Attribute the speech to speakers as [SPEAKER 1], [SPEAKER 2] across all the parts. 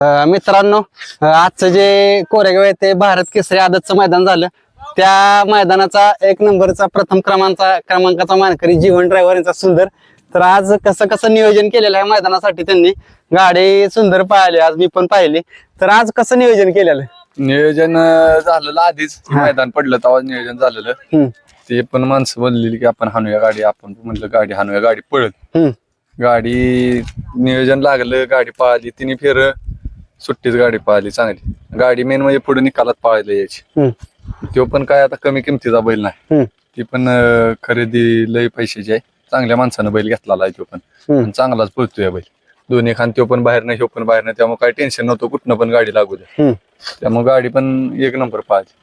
[SPEAKER 1] मित्रांनो, आजचं जे कोरेगाव आहे ते भारत केसरी आदतचं मैदान झालं. त्या मैदानाचा एक नंबरचा प्रथम क्रमांकाचा मानकरी जीवन ड्रायव्हर यांचा सुंदर. तर आज कसं कसं नियोजन केलेलं आहे मैदानासाठी, त्यांनी गाडी सुंदर पाहिली, आज मी पण पाहिली. तर आज कसं नियोजन केलेलं?
[SPEAKER 2] नियोजन झालेलं आधीच, मैदान पडलं तेव्हा नियोजन झालेलं. ते पण माणसं बोललेली की आपण हाणूया गाडी, आपण म्हणलं गाडी हाणूया, गाडी पळत. गाडी नियोजन लागलं, गाडी पळाली, तिने फेर सुट्टीच गाडी पळाली चांगली. गाडी मेन म्हणजे पुढे निकालात पळायला यायची. तो पण काय आता कमी किमतीचा बैल नाही, ती पण खरेदी लय पैशाची आहे. चांगल्या माणसानं बैल घेतलेला आहे तो पण, चांगलाच पळतोय बैल. दोन्ही खान तो पण बाहेर नाही, ह्यो पण बाहेर नाही, त्यामुळे काही टेन्शन नव्हतं, कुठनं पण गाडी लागू दे. त्यामुळे गाडी पण एक नंबर पळाली.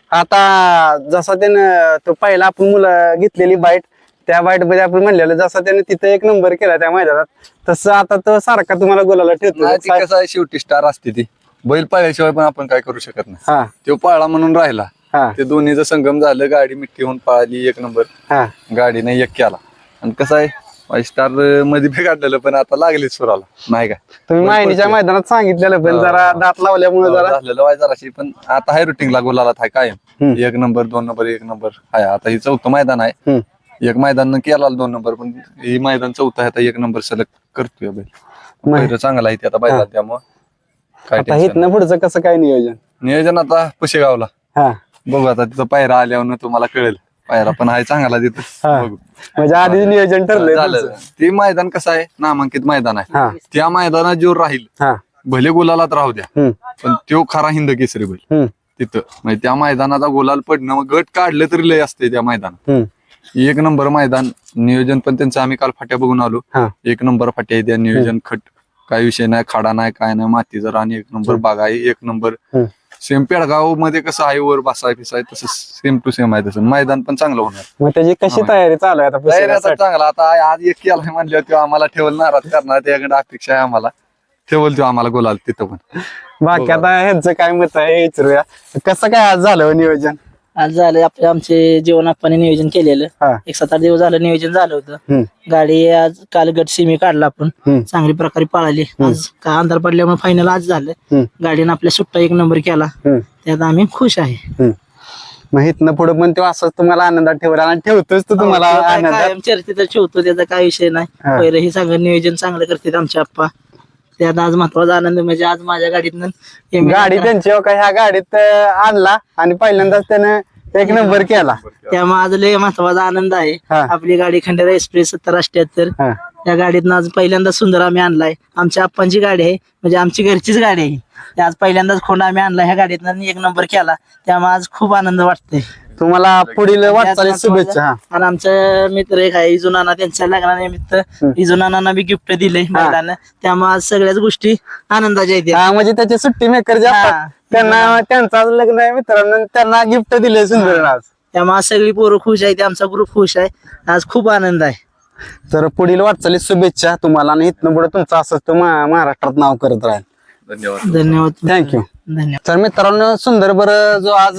[SPEAKER 1] आता जसा त्यानं तो पहिला आपण मुलं घेतलेली बाईट, त्या बाईट मध्ये आपण म्हणलेलं जसा त्याने तिथे एक नंबर केला त्या मैदानात, तसं आता तो सारखा तुम्हाला गोलाला ठेवतो.
[SPEAKER 2] कसं आहे, शेवटी स्टार असते ती, बैल पाळल्याशिवाय पण आपण काय करू शकत नाही. तो पाळला म्हणून राहिला, ते दोन्हीचं संगम झालं, गाडी मिठ्ठी होऊन पळाली, एक नंबर गाडीने एक केला. आणि कसं आहे, स्टार मध्ये बी काढलेलं, पण आता लागली सुराला नाही का.
[SPEAKER 1] तुम्ही माहिनीच्या मैदानात सांगितलेलं, पण जरा दात लावल्यामुळे जरा
[SPEAKER 2] झालेलं वाय जराशी, पण आता हाय रुटीनला गोलाला थाय कायम एक नंबर, दोन नंबर, एक नंबर हाय. आता ही चौथं मैदान आहे, एक मैदान केला 2 नंबर, पण ही मैदान चौथं आहे, आता एक नंबर सलग करतोय बैल. चांगला आहे ते आता बैला, त्यामुळे
[SPEAKER 1] काय इथनं पुढचं कसं काय
[SPEAKER 2] नियोजन आता पुशेगावला बघू. आता तिथं पायरा आल्यावर तुम्हाला कळेल. पायरा पण आहे चांगला तिथं, बघू.
[SPEAKER 1] म्हणजे आधीच नियोजन ठरलं.
[SPEAKER 2] ते मैदान कसं आहे, नामांकित मैदान आहे. त्या मैदानात जो राहील, भले गुलालात राहू द्या, पण तो खरा हिंद केसरी बैल तिथं. म्हणजे त्या मैदानाचा गुलाल पडणं, मग गट काढलं तरी लय असते त्या मैदानात. एक नंबर मैदान, नियोजन पण त्यांचं आम्ही काल फाट्या बघून आलो. एक नंबर फाट्या त्या, नियोजन खट, काय विषय नाही, खाडा नाही, काय नाही, मातीचा रान एक नंबर, बाग आहे एक नंबर. सेम पेडगाव मध्ये कसं आहे, वर बसाय फिसाय, तसं सेम टू सेम आहे तसं. मैदान पण चांगलं होणार.
[SPEAKER 1] मग त्याची कशी तयारी चालू आहे आता?
[SPEAKER 2] तयारी आता चांगला. आता आज एक केला म्हणलं, तो आम्हाला ठेवल नाराज करणार, त्याकडे अपेक्षा आहे आम्हाला, ठेवल तो आम्हाला गोलाल तिथं पण.
[SPEAKER 1] बाकी आता ह्यांचं काय मत आहे विचारूया. कसं काय आज झालं नियोजन?
[SPEAKER 3] आज झालं आमचे जीवन आप्पाने नियोजन केलेलं. 1-7-8 दिवस झालं नियोजन झालं होतं. गाडी आज काल गट सिमी काढला आपण, चांगली प्रकारे पळाली. आज का अंधार पडल्यामुळे फायनल आज झालं. गाडीनं आपल्या सुट्टा एक नंबर केला, त्यात आम्ही खुश आहे.
[SPEAKER 1] मग इथनं पुढे पण तो असं तुम्हाला आनंदात ठेवला आणि ठेवतोच तो तुम्हाला आनंदात.
[SPEAKER 3] चर्चेत ठेवतो, त्याचा काय विषय नाही. पहिलं हे सगळं नियोजन चांगलं करतात आमचे आप्पा. त्यात आज महत्वाचा आनंद म्हणजे आज माझ्या गाडीतनं
[SPEAKER 1] गाडी त्यांची ह्या गाडीत आणला आणि पहिल्यांदाच त्यानं एक नंबर केला,
[SPEAKER 3] त्यामुळे आज लय महत्वाचा आनंद आहे. आपली गाडी खंडेरा एक्सप्रेस 70-78, या गाडीतनं आज पहिल्यांदा सुंदर आम्ही आणलाय. आमच्या आप्पांची गाडी आहे, म्हणजे आमची घरचीच गाडी आहे. आज पहिल्यांदाच खोंड आम्ही आणला, ह्या गाडीतनं एक नंबर केला, त्यामुळे आज खूप आनंद वाटतोय.
[SPEAKER 1] तुम्हाला पुढील वाटचालीस शुभेच्छा.
[SPEAKER 3] आणि आमचा मित्र एक आहे इजू नाना, त्यांच्या लग्नानिमित्त इजू नानांना बी गिफ्ट दिले महिलांना, त्यामुळे आज सगळ्याच गोष्टी आनंदाच्या आहेत.
[SPEAKER 1] म्हणजे त्याचे सुट्टी मेकर जे असतात त्यांना, त्यांचं आज लग्न आहे मित्रांनो, त्यांना गिफ्ट दिले सुंदर आज.
[SPEAKER 3] त्यामुळे सगळी पोरं खुश आहे, आमचा ग्रुप खुश आहे, आज खूप आनंद आहे.
[SPEAKER 1] तर पुढील वाटचालीस शुभेच्छा तुम्हाला, आणि इथनं पुढे तुमचं असंच तो महाराष्ट्रात नाव करत राहील.
[SPEAKER 2] धन्यवाद.
[SPEAKER 3] धन्यवाद.
[SPEAKER 1] थँक्यू.
[SPEAKER 3] धन्यवाद.
[SPEAKER 1] तर मित्रांनो, सुंदर बरं जो आज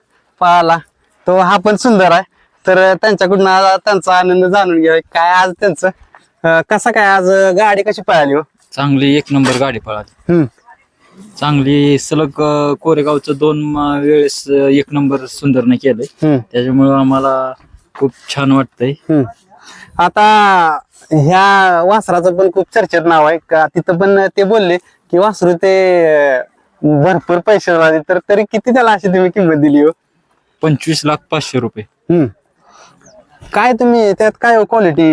[SPEAKER 1] पाहिला तो हा पण सुंदर आहे. तर त्यांच्याकडून त्यांचा आनंद जाणून घ्या, काय आज त्यांचं कसं काय आज गाडी कशी पळाली हो?
[SPEAKER 4] चांगली एक नंबर गाडी पळाली. चांगली सलग कोरेगावचं 2 वेळेस एक नंबर सुंदरने केलंय, त्याच्यामुळे आम्हाला खूप छान वाटतंय.
[SPEAKER 1] आता ह्या वासराचं पण खूप चर्चेत नाव आहे का, तिथं पण ते बोलले की वासरू ते भरपूर पैसे झाले, तर तरी किती त्याला अशी तुम्ही किंमत दिली हो?
[SPEAKER 4] 25,500,000 रुपये.
[SPEAKER 1] काय तुम्ही त्यात काय क्वालिटी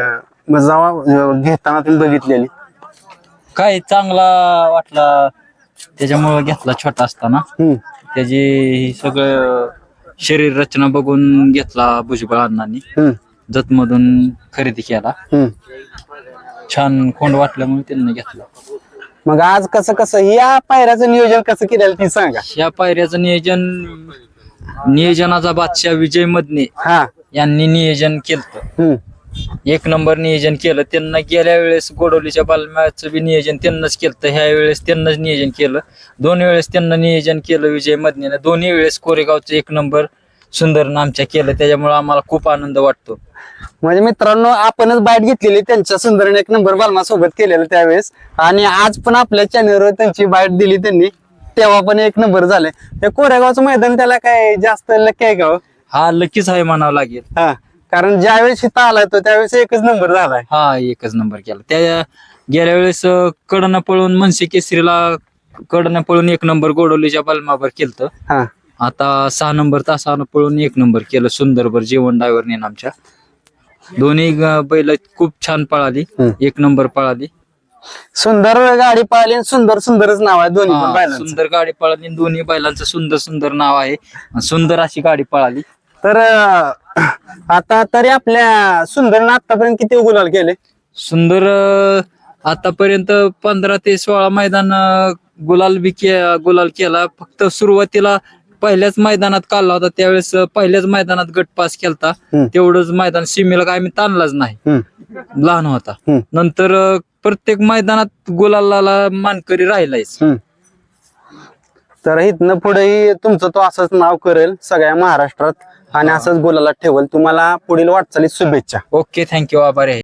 [SPEAKER 1] घेताना तुम्ही बघितलेली?
[SPEAKER 4] काय चांगला वाटला त्याच्यामुळे घेतला. छोटा असताना त्याची सगळं शरीर रचना बघून घेतला भुजबळ अण्णांनी, जतमधून खरेदी केला. छान खोंड वाटल्यामुळे त्यांनी घेतला.
[SPEAKER 1] मग आज कसं कसं या पायऱ्याचं नियोजन कसं केलेलं ती सांगा.
[SPEAKER 4] या पायऱ्याचं नियोजनाचा बादशाह विजय मदने यांनी नियोजन केलं. एक नंबर नियोजन केलं त्यांना. गेल्या वेळेस गोडवलीच्या बालम्याचं बी नियोजन त्यांनाच केलं, ह्या वेळेस त्यांनाच नियोजन केलं. 2 वेळेस त्यांना नियोजन केलं विजय मदनेनं. दोन्ही वेळेस कोरेगावचं एक नंबर सुंदरनं आमच्या केलं, त्याच्यामुळे आम्हाला खूप आनंद वाटतो.
[SPEAKER 1] म्हणजे मित्रांनो, आपणच बाईट घेतलेली त्यांच्या सुंदरने 1 नंबर बालमा सोबत केलेलं त्यावेळेस, आणि आज पण आपल्या चॅनलवर त्यांची बाईट दिली त्यांनी, तेव्हा पण 1 नंबर झाले. त्या कोरेगावचं मैदान त्याला काय जास्त लकी आहे का हो?
[SPEAKER 4] हा लकीच आहे म्हणावं लागेल.
[SPEAKER 1] हा, कारण ज्यावेळेस इथं आलाय तो त्यावेळेस 1च नंबर झालाय.
[SPEAKER 4] हा 1च नंबर केला. त्या गेल्या वेळेस कडनं पळून मनसे केसरीला कडनं पळून 1 नंबर गोडवलीच्या बलमावर केलं.
[SPEAKER 1] हा,
[SPEAKER 4] आता 6 नंबर तासानं पळून 1 नंबर केलं सुंदरभर जीवन ड्रायव्हरने आमच्या. दोन्ही बैल खूप छान पळाली, 1 नंबर पळाली.
[SPEAKER 1] सुंदर गाडी पाहिली आणि सुंदर सुंदरच नाव आहे दोन्ही पण
[SPEAKER 4] हा,
[SPEAKER 1] बैलांचं.
[SPEAKER 4] सुंदर गाडी पळाली, दोन्ही बैलांचं सुंदर सुंदर नाव आहे. सुंदर अशी गाडी पळाली.
[SPEAKER 1] तर आता तरी आपल्या सुंदरनं आतापर्यंत किती गुलाल केले?
[SPEAKER 4] सुंदर आतापर्यंत 15 ते 16 मैदान गुलाल केला. फक्त सुरुवातीला पहिल्याच मैदानात काढला होता, त्यावेळेस पहिल्याच मैदानात गट पास केलता. तेवढंच मैदान सीमेला काय आम्ही ताणलाच नाही, लहान होता. नंतर प्रत्येक मैदानात गुलालाला मानकरी राहिलायच.
[SPEAKER 1] तर इथनं पुढेही तुमचं तो असंच नाव करेल सगळ्या महाराष्ट्रात आणि असंच गुलाला ठेवल. तुम्हाला पुढील वाटचालीत शुभेच्छा.
[SPEAKER 4] ओके, थँक्यू, आभारी आहे.